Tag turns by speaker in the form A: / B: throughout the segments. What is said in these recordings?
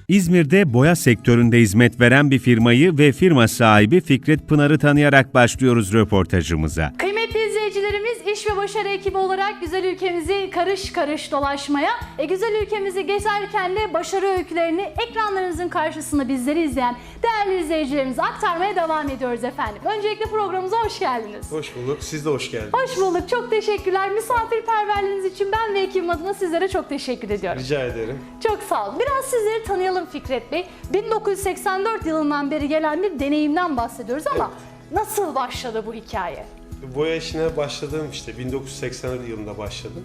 A: İzmir'de boya sektöründe hizmet veren bir firmayı ve firma sahibi Fikret Pınar'ı tanıyarak başlıyoruz röportajımıza.
B: Kıymetli izleyicilerimiz, iş ve başarı ekibi olarak güzel ülkemizi karış karış dolaşmaya, güzel ülkemizi gezerken de başarı öykülerini ekranlarınızın karşısında bizleri izleyen değerli izleyicilerimize aktarmaya devam ediyoruz efendim. Öncelikle programımıza hoş geldiniz.
C: Hoş bulduk. Siz de hoş geldiniz.
B: Hoş bulduk. Çok teşekkürler. Misafirperverliğiniz için ben ve ekibim adına sizlere çok teşekkür ediyorum.
C: Rica ederim.
B: Çok sağ olun. Biraz sizleri tanıyalım Fikret Bey. 1984 yılından beri gelen bir deneyimden bahsediyoruz ama nasıl başladı bu hikaye?
C: Boya işine başladığım 1984 yılında başladım.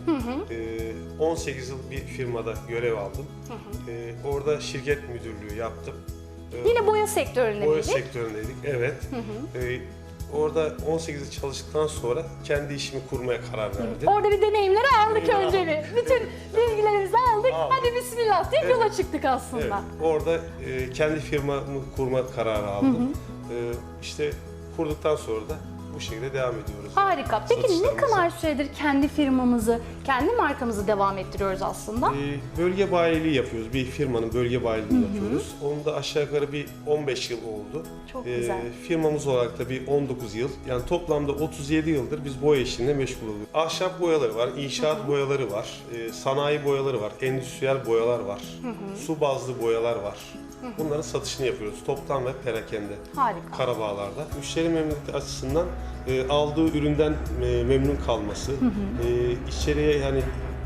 C: 18 yıl bir firmada görev aldım. Orada şirket müdürlüğü yaptım.
B: Yine boya sektöründe
C: Boya
B: miydik?
C: sektöründeydik, evet. Orada 18 yıl çalıştıktan sonra kendi işimi kurmaya karar verdim.
B: Orada bir deneyimleri aldık
C: Deneyimleri
B: önce bir. Bütün bilgilerimizi aldık. Hadi bismillah deyip yola çıktık aslında.
C: Evet, orada kendi firmamı kurma kararı aldım. İşte kurduktan sonra da bu şekilde devam ediyoruz.
B: Harika. Peki ne
C: Satışlarımıza.
B: kadar süredir kendi firmamızı, kendi markamızı devam ettiriyoruz aslında?
C: Bölge bayiliği yapıyoruz. Bir firmanın bölge bayiliğini yapıyoruz. Onun da aşağı yukarı bir 15 yıl oldu.
B: Çok güzel.
C: Firmamız olarak da bir 19 yıl. Yani toplamda 37 yıldır biz boya işinde meşgul oluyoruz. Ahşap boyaları var, inşaat boyaları var, sanayi boyaları var, endüstriyel boyalar var, su bazlı boyalar var. Bunların satışını yapıyoruz. Toptan ve perakende.
B: Harika.
C: Karabağlar'da. Müşteri memnuniyeti açısından aldığı üründen memnun kalması, içeriye yani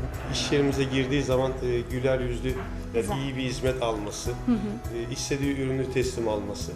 C: iş yerimize girdiği zaman güler yüzlü ve iyi bir hizmet alması, istediği ürünü teslim alması.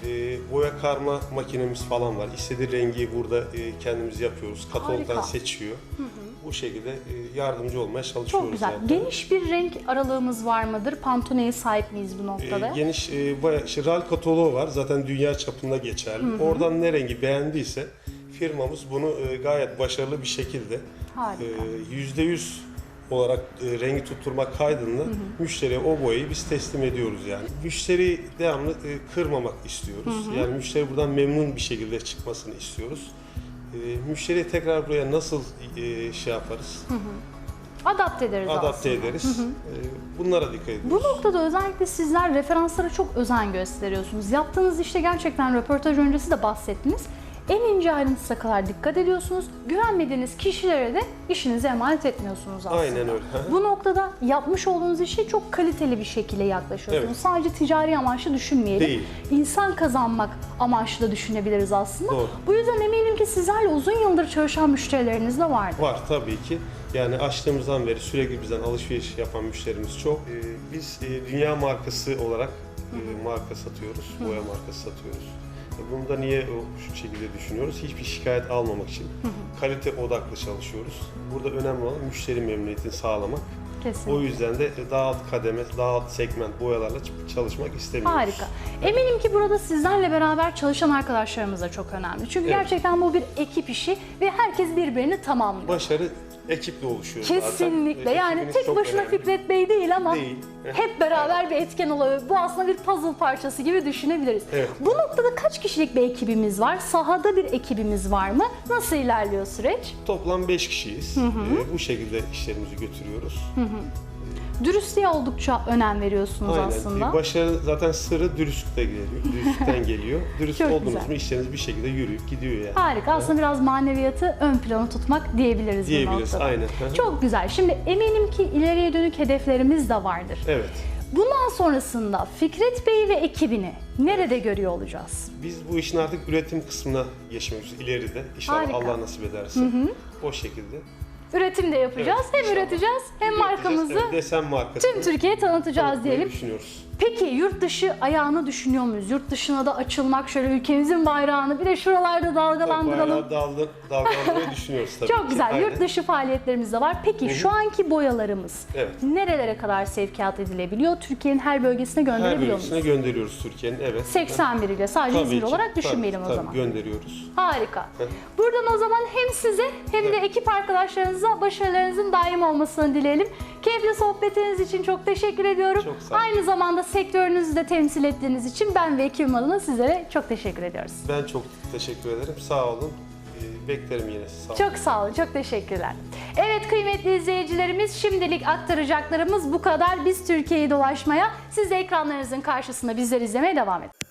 C: Boya karma makinemiz falan var. İstediği rengi burada kendimiz yapıyoruz. Katalogdan
B: Harika.
C: seçiyor. Bu şekilde yardımcı olmaya çalışıyoruz.
B: Çok güzel.
C: yani.
B: Geniş bir renk aralığımız var mıdır? Pantone'ye sahip miyiz bu noktada?
C: Geniş bayağı RAL kataloğu var. Zaten dünya çapında geçerli. Oradan ne rengi beğendiyse firmamız bunu gayet başarılı bir şekilde
B: Harika.
C: %100 olarak rengi tutturmak kaydıyla müşteriye o boyayı biz teslim ediyoruz yani. Müşteriyi devamlı kırmamak istiyoruz. Yani müşteri buradan memnun bir şekilde çıkmasını istiyoruz. Müşteriye tekrar buraya nasıl şey yaparız?
B: Adapte ederiz
C: Adapte
B: aslında.
C: ederiz. Bunlara dikkat ediyoruz.
B: Bu noktada özellikle sizler referanslara çok özen gösteriyorsunuz. Yaptığınız işte gerçekten röportaj öncesi de bahsettiniz. En ince ayrıntısına kadar dikkat ediyorsunuz. Güvenmediğiniz kişilere de işinizi emanet etmiyorsunuz aslında.
C: Aynen öyle.
B: Bu noktada yapmış olduğunuz işe çok kaliteli bir şekilde yaklaşıyorsunuz.
C: Evet.
B: Sadece ticari amaçlı düşünmeyelim.
C: Değil.
B: İnsan kazanmak amaçlı da düşünebiliriz aslında.
C: Doğru.
B: Bu yüzden eminim ki sizlerle uzun yıldır çalışan müşterileriniz de vardır.
C: Var tabii ki. Yani açtığımızdan beri sürekli bizden alışveriş yapan müşterimiz çok. Biz dünya markası olarak marka satıyoruz, boya markası satıyoruz. Bunu da niye şu şekilde düşünüyoruz? Hiçbir şikayet almamak için kalite odaklı çalışıyoruz. Burada önemli olan müşteri memnuniyetini sağlamak.
B: Kesinlikle.
C: O yüzden de daha alt kademe, daha alt segment boyalarla çalışmak istemiyoruz.
B: Harika. Eminim ki burada sizlerle beraber çalışan arkadaşlarımız da çok önemli. Çünkü
C: Evet.
B: gerçekten bu bir ekip işi ve herkes birbirini tamamlıyor.
C: Başarı ekiple oluşuyor zaten.
B: Kesinlikle.
C: Ve
B: Yani
C: ekibiniz
B: tek
C: çok
B: başına
C: önemli.
B: Fikret Bey değil ama
C: Değil.
B: hep beraber bir etken oluyor. Bu aslında bir puzzle parçası gibi düşünebiliriz.
C: Evet.
B: Bu noktada kaç kişilik bir ekibimiz var? Sahada bir ekibimiz var mı? Nasıl ilerliyor süreç?
C: Toplam 5 kişiyiz. Bu şekilde işlerimizi götürüyoruz.
B: Dürüstlüğe oldukça önem veriyorsunuz
C: Aynen.
B: aslında.
C: Başarı zaten sırrı dürüstlükten geliyor. Dürüstlükten geliyor. Dürüst
B: Çok
C: olduğunuz
B: güzel.
C: mu işleriniz bir şekilde yürüyüp gidiyor yani.
B: Harika. Aslında biraz maneviyatı ön plana tutmak diyebiliriz bu
C: Diyebiliriz.
B: noktada.
C: Aynen.
B: Çok güzel. Şimdi eminim ki ileriye dönük hedeflerimiz de vardır.
C: Evet.
B: Bundan sonrasında Fikret Bey ve ekibini nerede görüyor olacağız?
C: Biz bu işin artık üretim kısmına geçmek üzere ileride. İnşallah
B: Harika.
C: Allah nasip ederse. O şekilde.
B: Üretim de yapacağız.
C: Evet,
B: hem
C: inşallah.
B: üreteceğiz hem markamızı
C: Evet, desen markası.
B: tüm Türkiye'ye tanıtacağız diyelim.
C: Düşünüyoruz.
B: Peki yurt dışı ayağını düşünüyor muyuz? Yurt dışına da açılmak, şöyle ülkemizin bayrağını bir de şuralarda dalgalandıralım.
C: Bayağı dalgalandırmayı düşünüyoruz tabii
B: Çok
C: ki.
B: güzel.
C: Aynen.
B: Yurt dışı faaliyetlerimiz de var. Peki şu anki boyalarımız
C: Evet.
B: nerelere kadar sevkiyat edilebiliyor? Türkiye'nin her bölgesine
C: Her
B: gönderebiliyor
C: bölgesine
B: muyuz?
C: gönderiyoruz Türkiye'nin. Evet.
B: 81 ile sadece
C: Tabii
B: İzmir
C: ki.
B: olarak düşünmeyelim
C: Tabii,
B: o zaman.
C: gönderiyoruz.
B: Harika. Buradan o zaman hem size hem de ekip arkadaşlarınıza başarılarınızın daim olmasını dileyelim. Keyifli sohbetiniz için çok teşekkür ediyorum.
C: Çok sağ olun.
B: Aynı zamanda sektörünüzü de temsil ettiğiniz için ben ve ekibim adına sizlere çok teşekkür ediyoruz.
C: Ben çok teşekkür ederim. Sağ olun. Beklerim yine. Sağ olun.
B: Çok sağ olun, çok teşekkürler. Evet kıymetli izleyicilerimiz, şimdilik aktaracaklarımız bu kadar. Biz Türkiye'yi dolaşmaya, siz de ekranlarınızın karşısında bizleri izlemeye devam edin.